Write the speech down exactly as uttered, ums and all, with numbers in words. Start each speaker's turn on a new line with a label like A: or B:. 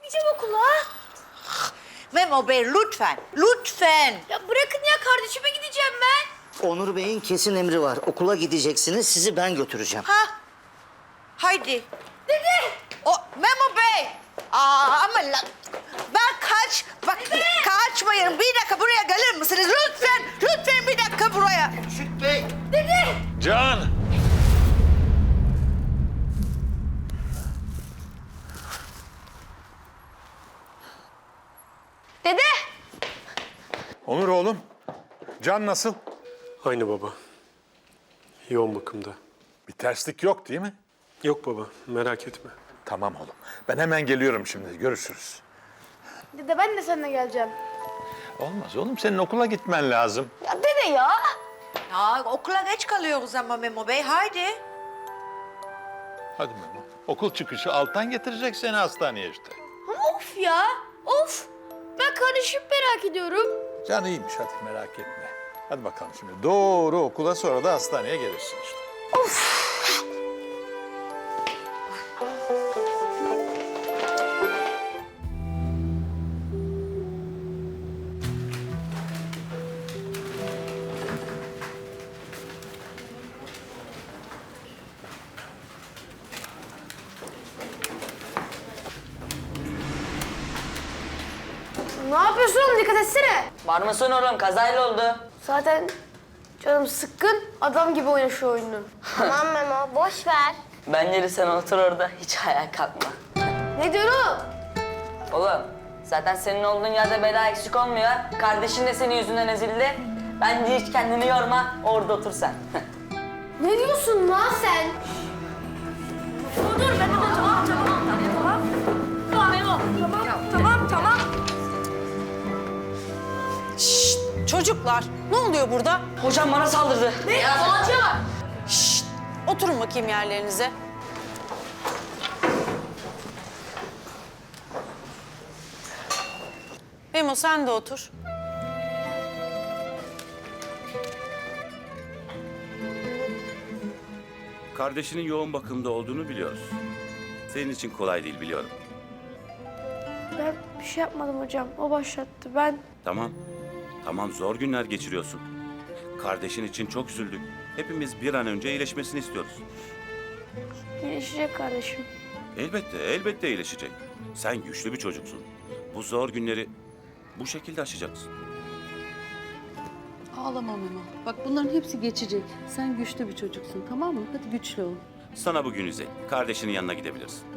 A: gideceğim okula.
B: Memo Bey lütfen, lütfen.
A: Ya bırakın ya, kardeşime gideceğim ben.
C: Onur Bey'in kesin emri var. Okula gideceksiniz, sizi ben götüreceğim.
B: Ha? Haydi.
A: Dede.
B: O Memo Bey. Aa ama la, ben kaç, bak kaçmayın. Bir dakika buraya gelir misiniz? Lütfen, lütfen bir dakika buraya.
C: Şükrü Bey.
A: Dede.
D: Can!
A: Dede.
D: Onur oğlum, Can nasıl?
E: Aynı baba. Yoğun bakımda.
D: Bir terslik yok değil mi?
E: Yok baba, merak etme.
D: Tamam oğlum. Ben hemen geliyorum şimdi. Görüşürüz.
A: Dede ben de seninle geleceğim.
D: Olmaz oğlum. Senin okula gitmen lazım.
A: Ya dede ya.
B: Ya okula geç kalıyoruz ama Memo Bey. Haydi.
D: Hadi Memo. Okul çıkışı Altan getirecek seni hastaneye işte.
A: Ama of ya. Of. Ben kardeşimi merak ediyorum.
D: Can iyiymiş hadi merak etme. Hadi bakalım şimdi. Doğru okula sonra da hastaneye gelirsin işte.
A: Ne yapıyorsun oğlum? Dikkat etsene.
F: Var mısın oğlum? Kazayla oldu.
A: Zaten canım sıkkın. Adam gibi oyna şu oyunu. Tamam Memo, boş ver.
F: Bence sen otur orada. Hiç ayağa kalkma.
A: Ne diyorsun?
F: Oğlum zaten senin olduğun yerde bela eksik olmuyor. Kardeşin de senin yüzünden ezildi. Bence hiç kendini yorma. Orada otur sen.
A: Ne diyorsun lan sen? Dur dur, ben de tamam tamam tamam tamam. Tamam Memo. Tamam tamam tamam.
G: Şşt, çocuklar, ne oluyor burada?
F: Hocam bana saldırdı.
A: Ne? Hocam.
G: Şşt, oturun bakayım yerlerinize. Memo sen de otur.
H: Kardeşinin yoğun bakımda olduğunu biliyoruz. Senin için kolay değil biliyorum.
A: Ben bir şey yapmadım hocam. O başlattı. Ben
H: Tamam, tamam zor günler geçiriyorsun. Kardeşin için çok üzüldük. Hepimiz bir an önce iyileşmesini istiyoruz.
A: iyileşecek kardeşim.
H: Elbette, elbette iyileşecek. Sen güçlü bir çocuksun. Bu zor günleri bu şekilde aşacaksın.
I: Ağlama Memo. Bak bunların hepsi geçecek. Sen güçlü bir çocuksun, tamam mı? Hadi güçlü ol.
H: Sana bugün izin. Kardeşinin yanına gidebilirsin.